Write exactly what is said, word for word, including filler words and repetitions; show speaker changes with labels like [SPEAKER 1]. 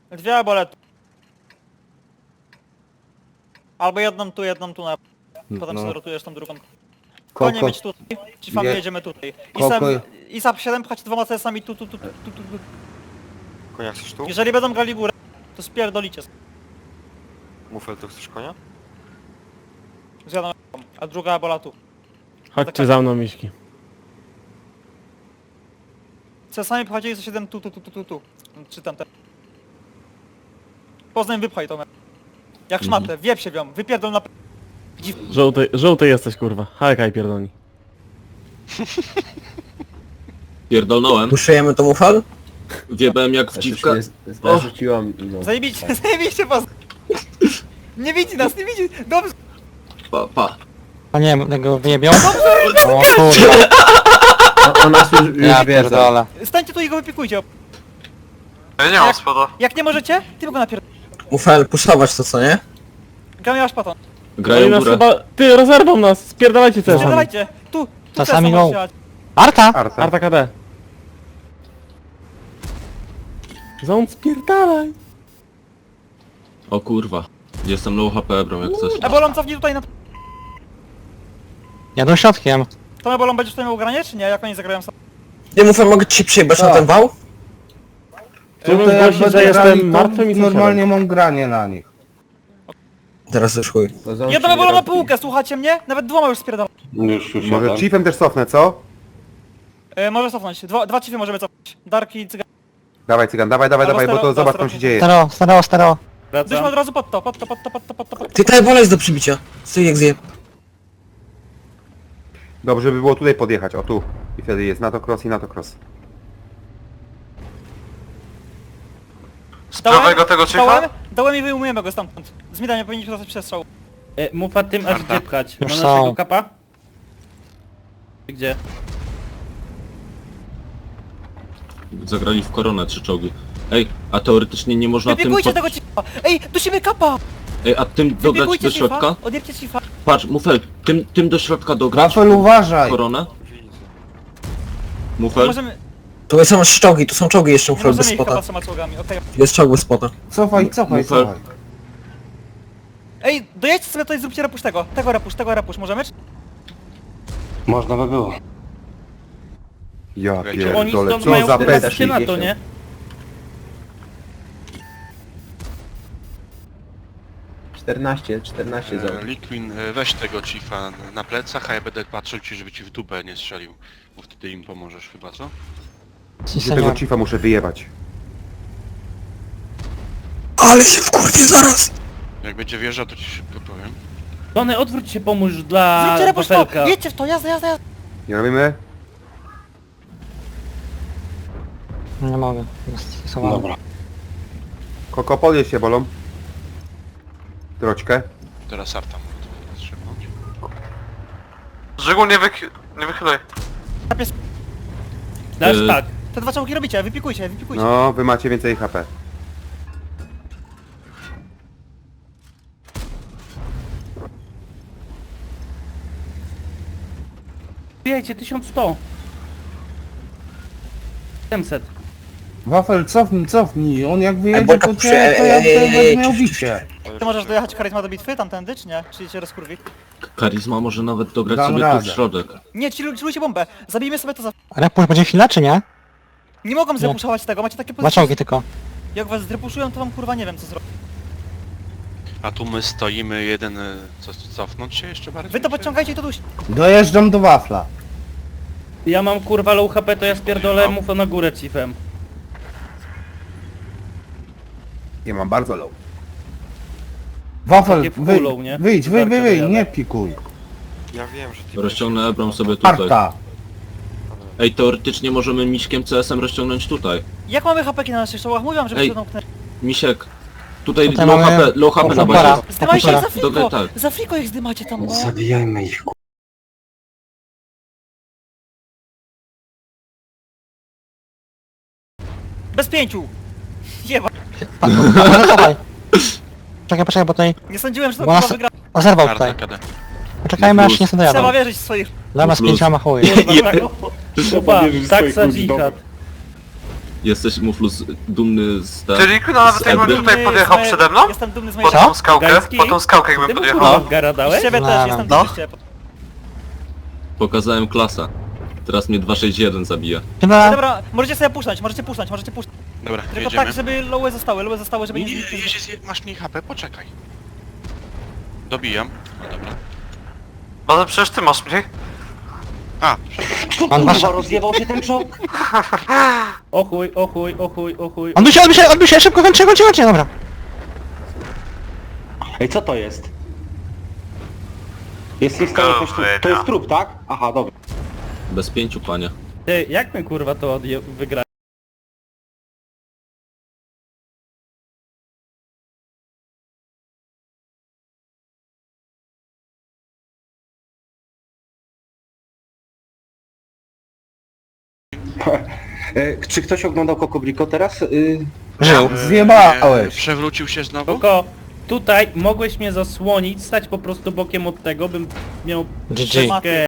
[SPEAKER 1] Dwie arbolety. Albo jedną tu, jedną tu na... Potem
[SPEAKER 2] No.
[SPEAKER 1] sobie rotujesz tą drugą. Konie
[SPEAKER 2] Koko,
[SPEAKER 1] mieć tutaj, ci fam
[SPEAKER 2] Je-
[SPEAKER 1] jedziemy tutaj. I
[SPEAKER 2] Koko-
[SPEAKER 1] sam, i sam siedem pchać dwoma C S-ami tu, tu, tu, tu, tu, tu, tu.
[SPEAKER 3] Konia chcesz tu?
[SPEAKER 1] Jeżeli będą grali górę, to spierdolicie.
[SPEAKER 3] Mufel, to chcesz konia?
[SPEAKER 1] Zjadą, a druga arbola tu.
[SPEAKER 4] Chodźcie za mną, miśki.
[SPEAKER 1] C S-ami pchać za siedem tu, tu, tu, tu, tu, tu. Czy tam te. Poznań wypchaj to. Jak szmatę, wiep się wią, wypierdol na...
[SPEAKER 4] Żółty, żółty jesteś, kurwa. Hajkaj pierdolni.
[SPEAKER 5] Pierdolnąłem,
[SPEAKER 2] puszujemy to mufal?
[SPEAKER 5] wiebałem jak w dziwka.
[SPEAKER 2] Zarzuciłam no.
[SPEAKER 1] Zajebiście, zajebiście pas. Nie widzi nas, nie widzi. Dobrze.
[SPEAKER 5] Pa, pa.
[SPEAKER 6] O nie, tego wyjebią? O kurwa,
[SPEAKER 2] Ona już, już
[SPEAKER 6] ja pierdolę.
[SPEAKER 1] Stańcie tu i go wypiekujcie.
[SPEAKER 3] Ja nie
[SPEAKER 1] Jak-
[SPEAKER 3] mam spada.
[SPEAKER 1] Jak nie możecie, ty go napierd...
[SPEAKER 2] Mufal, puszować to co, nie?
[SPEAKER 1] Gramy aż paton.
[SPEAKER 4] Oni
[SPEAKER 5] Grają
[SPEAKER 4] nas
[SPEAKER 5] górę.
[SPEAKER 4] chyba... Ty, rozerwą nas! Spierdalajcie C S-ami.
[SPEAKER 1] Spierdalajcie. Tu, tu
[SPEAKER 6] To
[SPEAKER 1] C S-a
[SPEAKER 6] sami
[SPEAKER 1] możesz
[SPEAKER 6] go.
[SPEAKER 1] jechać.
[SPEAKER 6] Arta!
[SPEAKER 2] Arta.
[SPEAKER 4] Arta K D. Zon, spierdalaj!
[SPEAKER 5] O kurwa. Jestem low H P, bro, jak coś.
[SPEAKER 1] Ebolon cofnij tutaj na...
[SPEAKER 6] Jadą środkiem.
[SPEAKER 1] To Ebolon będziesz tutaj miał granie, czy nie? Jak oni zagrają sam?
[SPEAKER 2] Nie Mufal, mogę ci przyjebać na ten wał?
[SPEAKER 4] Chciałbym zgłosić, że jestem martwym i
[SPEAKER 7] normalnie mam granie na nich.
[SPEAKER 2] Teraz już chuj.
[SPEAKER 1] Jedną Ebolon na półkę, słuchacie mnie? Nawet dwoma już spierdala.
[SPEAKER 7] Już, już
[SPEAKER 8] Może chiefem też cofnę, co?
[SPEAKER 1] E, może cofnąć. Dwa, dwa cify możemy cofnąć. Darki i cygan.
[SPEAKER 8] Dawaj cygan, dawaj, dawaj,
[SPEAKER 1] Albo
[SPEAKER 8] dawaj, bo
[SPEAKER 1] staro-
[SPEAKER 8] to zobacz
[SPEAKER 1] staro-
[SPEAKER 8] co się dzieje.
[SPEAKER 6] Stereo, stereo, stereo.
[SPEAKER 1] Byśmy od razu pod to, pod to, pod to, pod to, pod to, pod to.
[SPEAKER 2] Ty ta ebola jest do przybicia. Stój jak zje.
[SPEAKER 8] Dobrze by było tutaj podjechać, o tu. I wtedy jest na to cross i na to cross.
[SPEAKER 3] Z prawego tego
[SPEAKER 1] Dałem,
[SPEAKER 3] cicha?
[SPEAKER 1] dałem i wyjmujemy go stamtąd. Z mida nie powinniśmy dostać przestrzału.
[SPEAKER 9] E, Mufa tym aż gdzie pchać?
[SPEAKER 6] Już
[SPEAKER 9] Na
[SPEAKER 6] są.
[SPEAKER 9] naszego kapa? Gdzie?
[SPEAKER 5] Zagrali w koronę trzy czołgi. Ej, a teoretycznie nie można tym...
[SPEAKER 1] Wypiekujcie
[SPEAKER 5] pod-
[SPEAKER 1] tego cifa! Ej, dusimy kapa!
[SPEAKER 5] Ej, a tym dograć
[SPEAKER 1] Wypiekujcie
[SPEAKER 5] do środka?
[SPEAKER 1] cifa! Odjebcie cifa!
[SPEAKER 5] Patrz, Mufel, tym, tym do środka dograć.
[SPEAKER 7] Wafel, uważaj!
[SPEAKER 5] Koronę.
[SPEAKER 1] Nie
[SPEAKER 5] Mufel.
[SPEAKER 1] możemy,
[SPEAKER 2] Tu są trzy czołgi, tu są czołgi jeszcze
[SPEAKER 1] nie
[SPEAKER 2] Mufal bez
[SPEAKER 1] możemy ich
[SPEAKER 2] spota.
[SPEAKER 1] kapa z trzema czołgami, okej.
[SPEAKER 2] Jest czołg bez spota.
[SPEAKER 7] Cofaj, cofaj,
[SPEAKER 5] Mufel.
[SPEAKER 7] cofaj.
[SPEAKER 1] Ej, dojedźcie sobie tutaj, zróbcie repusz tego. Tego repusz, tego repusz, możemy?
[SPEAKER 7] Można by było.
[SPEAKER 8] Ja
[SPEAKER 9] Oni
[SPEAKER 8] pierdolę,
[SPEAKER 9] stąd
[SPEAKER 8] co
[SPEAKER 9] mają
[SPEAKER 8] za
[SPEAKER 9] presję
[SPEAKER 8] bestii.
[SPEAKER 9] na to, nie?
[SPEAKER 2] czternaście, czternaście
[SPEAKER 10] E, Liquin, e, weź tego chiefa na plecach, a ja będę patrzył ci, żeby ci w dupę nie strzelił. Bo wtedy im pomożesz chyba, co?
[SPEAKER 6] Si,
[SPEAKER 8] Gdzie tego
[SPEAKER 6] senior.
[SPEAKER 8] chiefa muszę wyjebać.
[SPEAKER 2] Ale się wkurwię zaraz!
[SPEAKER 10] Jak będzie wjeżdżał, to ci szybko powiem.
[SPEAKER 9] Tony, odwróć się, pomóż dla
[SPEAKER 1] Zróbcie repusz to!
[SPEAKER 9] wafelka.
[SPEAKER 1] Jedźcie w to, jazda, jazda, jazda!
[SPEAKER 8] Nie robimy?
[SPEAKER 6] Nie mogę. Jest schowany.
[SPEAKER 8] Koko, podjedź się bolą. Troczkę.
[SPEAKER 10] Teraz Arta może to strzepnąć.
[SPEAKER 3] Żygul, nie, wyk... nie wychylaj.
[SPEAKER 9] Dasz
[SPEAKER 5] Y-
[SPEAKER 9] tak.
[SPEAKER 1] Te dwa czołgi robicie, wypikujcie, wypikujcie.
[SPEAKER 8] No, wy macie więcej H P.
[SPEAKER 9] Wiecie, tysiąc sto. siedemset.
[SPEAKER 7] Wafel, cofnij, cofnij. On jak wyjedzie,
[SPEAKER 2] Ebolka
[SPEAKER 7] to
[SPEAKER 2] puszy-
[SPEAKER 7] cię, to ja
[SPEAKER 2] ej, ej,
[SPEAKER 7] tutaj
[SPEAKER 2] ej,
[SPEAKER 7] będę miał
[SPEAKER 2] ej,
[SPEAKER 7] bicie.
[SPEAKER 1] Ty możesz dojechać charyzma do bitwy tamtędy, czy nie? Czy cię rozkurwi?
[SPEAKER 5] Karizma może nawet dograć
[SPEAKER 7] Dam
[SPEAKER 5] sobie tu
[SPEAKER 7] radę.
[SPEAKER 5] w środek.
[SPEAKER 1] Nie, ci chillujcie bombę. Zabijmy sobie to za...
[SPEAKER 6] Repusz będzie chwila, czy nie?
[SPEAKER 1] Nie mogą zrepuszować tego, macie takie
[SPEAKER 6] Dwa
[SPEAKER 1] pozycje.
[SPEAKER 6] czołgi tylko.
[SPEAKER 1] Jak was zrepuszują, to wam kurwa nie wiem co zrobić.
[SPEAKER 10] A tu my stoimy jeden... e, Co, cofnąć się jeszcze bardziej?
[SPEAKER 1] Wy to podciągajcie i to duś.
[SPEAKER 7] Dojeżdżam do wafla.
[SPEAKER 9] Ja mam kurwa low H P, to ja spierdolę Mufa na górę chiefem.
[SPEAKER 8] Ja mam bardzo low.
[SPEAKER 7] Wafel,
[SPEAKER 9] Takie
[SPEAKER 7] wy,
[SPEAKER 9] kulą, nie?
[SPEAKER 7] wyjdź, wyjdź,
[SPEAKER 9] Warto
[SPEAKER 7] wyjdź,
[SPEAKER 9] dojadę.
[SPEAKER 7] nie pikuj.
[SPEAKER 3] Ja wiem, że ty...
[SPEAKER 5] Rozciągnę Ebram sobie tutaj.
[SPEAKER 7] Arta.
[SPEAKER 5] Ej, teoretycznie możemy miśkiem C S-em rozciągnąć tutaj.
[SPEAKER 1] Jak mamy hapeki na naszych czołgach? Mówiłam, żeby
[SPEAKER 5] Ej.
[SPEAKER 1] się domknęli.
[SPEAKER 5] Misiek. Tutaj,
[SPEAKER 6] Tutaj
[SPEAKER 5] low
[SPEAKER 6] mamy
[SPEAKER 5] H P, low H P na
[SPEAKER 6] opera.
[SPEAKER 5] bazie.
[SPEAKER 1] Zdymajcie ich za
[SPEAKER 6] Opera.
[SPEAKER 1] friko!
[SPEAKER 5] Dobra, tak.
[SPEAKER 1] Za friko ich zdymacie tam, no.
[SPEAKER 7] Zabijajmy ich.
[SPEAKER 1] Bez pięciu! Jeba.
[SPEAKER 6] A może dawaj. Czekaj, poczekaj, bo tutaj...
[SPEAKER 1] Nie sądziłem, że to
[SPEAKER 6] Bo
[SPEAKER 1] kurwa
[SPEAKER 6] nas-
[SPEAKER 1] wygra.
[SPEAKER 6] O, zerwał
[SPEAKER 10] Arta,
[SPEAKER 6] tutaj.
[SPEAKER 10] K D.
[SPEAKER 6] Poczekajmy aż nie są
[SPEAKER 1] Trzeba
[SPEAKER 6] dojadą.
[SPEAKER 1] wierzyć w swoich...
[SPEAKER 6] Dla nas
[SPEAKER 5] Plus.
[SPEAKER 6] pięcioma chuj.
[SPEAKER 9] Kurwa, tak, taksa dżihad.
[SPEAKER 5] Jesteś, Muflus, dumny z... ta-
[SPEAKER 3] Czyli no, nawet
[SPEAKER 5] z
[SPEAKER 3] jakbym
[SPEAKER 5] Edry?
[SPEAKER 3] tutaj
[SPEAKER 1] Dumny
[SPEAKER 3] podjechał
[SPEAKER 1] z me-
[SPEAKER 3] przede mną,
[SPEAKER 1] Jestem dumny z mojej...
[SPEAKER 3] po tą skałkę,
[SPEAKER 9] Gajski?
[SPEAKER 3] po tą skałkę
[SPEAKER 9] Ty
[SPEAKER 3] jakbym
[SPEAKER 9] mu
[SPEAKER 3] podjechał.
[SPEAKER 9] kurwa w gara
[SPEAKER 1] I
[SPEAKER 9] dałeś?
[SPEAKER 1] z ciebie
[SPEAKER 6] No,
[SPEAKER 1] też,
[SPEAKER 6] no.
[SPEAKER 1] jestem
[SPEAKER 6] No.
[SPEAKER 1] dumny z ciebie.
[SPEAKER 5] Pokazałem klasa. Teraz mnie dwa sześć jeden zabija.
[SPEAKER 6] Chyba...
[SPEAKER 1] Dobra, możecie sobie puszczać, możecie puszczać, możecie puszczać.
[SPEAKER 10] Dobra,
[SPEAKER 1] Tylko
[SPEAKER 10] jedziemy.
[SPEAKER 1] tak, żeby loły zostały, loły zostały, żeby
[SPEAKER 10] Nie,
[SPEAKER 1] nie...
[SPEAKER 10] nie, nie, jeśli masz mniej H P, poczekaj. Dobijam. No dobra.
[SPEAKER 3] No przecież ty masz mniej.
[SPEAKER 10] A,
[SPEAKER 6] On masz...
[SPEAKER 7] rozjebał się ten czołg?
[SPEAKER 9] O chuj, o chuj, o chuj, o chuj.
[SPEAKER 6] Odbił się, odbił się, odbił się, szybko kończę, kończę, kończę, dobra.
[SPEAKER 7] Ej, co to jest? Jest, jest
[SPEAKER 3] to jakoś tu- to jest
[SPEAKER 7] trup, tak? Aha, dobra.
[SPEAKER 5] Bez pięciu, panie.
[SPEAKER 9] Ty, jak my kurwa to odje... wygrać?
[SPEAKER 7] Czy ktoś oglądał Kokobriko teraz? Y...
[SPEAKER 6] Żył.
[SPEAKER 7] Zjebałeś.
[SPEAKER 10] przewrócił się znowu?
[SPEAKER 9] Koko, tutaj mogłeś mnie zasłonić, stać po prostu bokiem od tego, bym miał
[SPEAKER 6] G G.
[SPEAKER 9] troszkę